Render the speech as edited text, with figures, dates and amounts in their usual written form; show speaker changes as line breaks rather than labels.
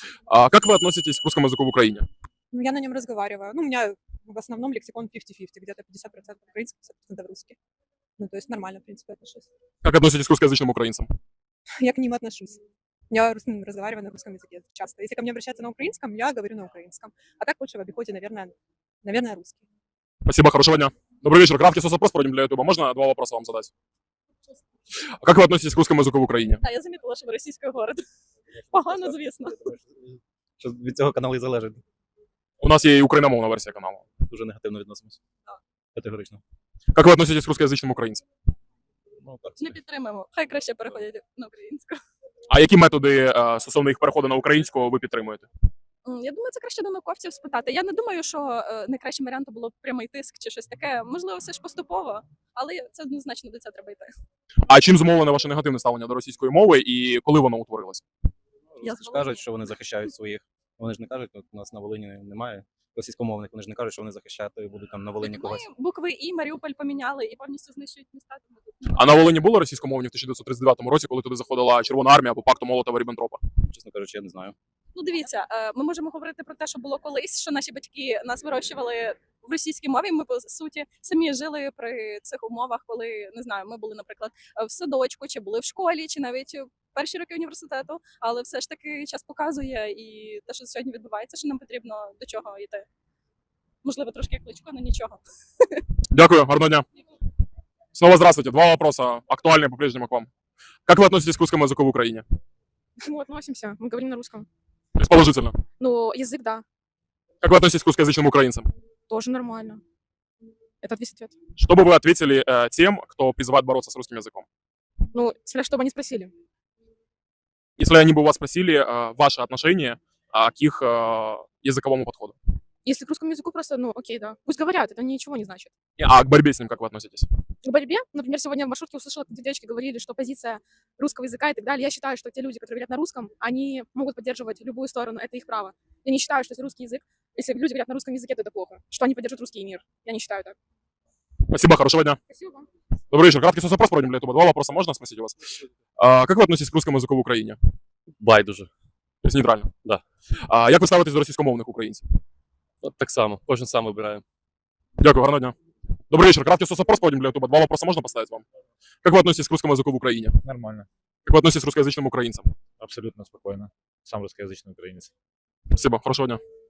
Как вы относитесь к русскому языку в Украине?
Ну, я на нем разговариваю. Ну, у меня в основном лексикон 50-50, где-то 50% украинский, 50% русский. Ну, то есть нормально, в принципе, отношусь.
Как относитесь к русскоязычным украинцам?
Я к ним отношусь. Я разговариваю на русском языке часто. Если ко мне обращаться на украинском, я говорю на украинском. А так больше в обиходе, наверное, русский.
Спасибо, хорошего дня. Добрый вечер. Краткий соцопрос проводим для Ютуба. Можно два вопроса вам задать? Как вы относитесь к русскому языку в Україні?
А я замітила, що ви російською говорите. Погано, звісно.
Що від цього канал і залежить.
У нас є і україномовна версія каналу.
Дуже негативно відносимося. Категорично.
Как вы относитесь к русскоязычным українцям?
Ну, так.
Не підтримуємо. Хай краще переходять на українську.
А які методи стосовно їх переходу на українську ви підтримуєте?
Я думаю, це краще до науковців спитати. Я не думаю, що найкращим варіантом було б прямий тиск чи щось таке. Можливо, все ж поступово, але це однозначно до цього треба йти.
А чим зумовлене ваше негативне ставлення до російської мови і коли воно утворилося?
Я
Вони ж кажуть, що вони захищають своїх. Вони ж не кажуть, от у нас на Волині немає російськомовних, вони ж не кажуть, що вони захищати будуть там на Волині
Ми
когось.
букви І, Маріуполь поміняли і повністю знищують міста. Тому тут
А на Волині було російськомовні в 1939 році, коли туди заходила Червона армія по пакту Молотова-Ріббентропа?
Чесно кажучи, я не знаю.
Ну, дивіться, ми можемо говорити про те, що було колись, що наші батьки нас вирощували в російській мові. Ми, по суті, самі жили при цих умовах, коли, не знаю, ми були, наприклад, в садочку, чи були в школі, чи навіть в перші роки університету. Але все ж таки час показує, і те, що сьогодні відбувається, що нам потрібно до чого йти. Можливо, трошки як Кличко, але нічого.
Дякую, гарного дня. Снова здравствуйте. Два вопроса, актуальные по-прежнему к вам. Как вы относитесь к русскому языку в Украине?
К чему относимся? Мы говорим на русском.
То есть положительно.
Ну, язык, да,
Как вы относитесь к русскоязычным украинцам?
тоже нормально. Это весь ответ.
Что бы вы ответили тем, кто призывает бороться с русским языком?
Ну, смотря что бы они спросили.
Если они бы у вас спросили ваше отношение к их языковому подходу.
Если к русскому языку просто, ну, окей, да. Пусть говорят, это ничего не значит.
А к борьбе с ним как вы относитесь?
К борьбе, например, сегодня в маршрутке услышала, как девочки говорили, что позиция русского языка и так далее. Я считаю, что те люди, которые говорят на русском, они могут поддерживать любую сторону, это их право. Я не считаю, что если русский язык, если люди говорят на русском языке, то это плохо. Что они поддерживают русский мир. Я не считаю так.
Спасибо, хорошего дня.
Спасибо вам.
Добрый вечер. Краткий соцопрос проводим для Ютуба. Два вопроса можно спросить у вас? Как вы относитесь к русскому языку в Украине?
Байдуже.
То есть нейтрально?
Да.
Як ви ставитесь до російськомовних українців?
От так само. Кожен сам вибирає.
Дякую, гарного дня. Добрый вечер. Краткий соцопрос проводим для Ютуба. Два вопроса можно поставить вам? Как вы относитесь к русскому языку в Украине?
Нормально,
Как вы относитесь к русскоязычным украинцам?
абсолютно спокойно. Сам русскоязычный украинец.
Спасибо, хорошего дня.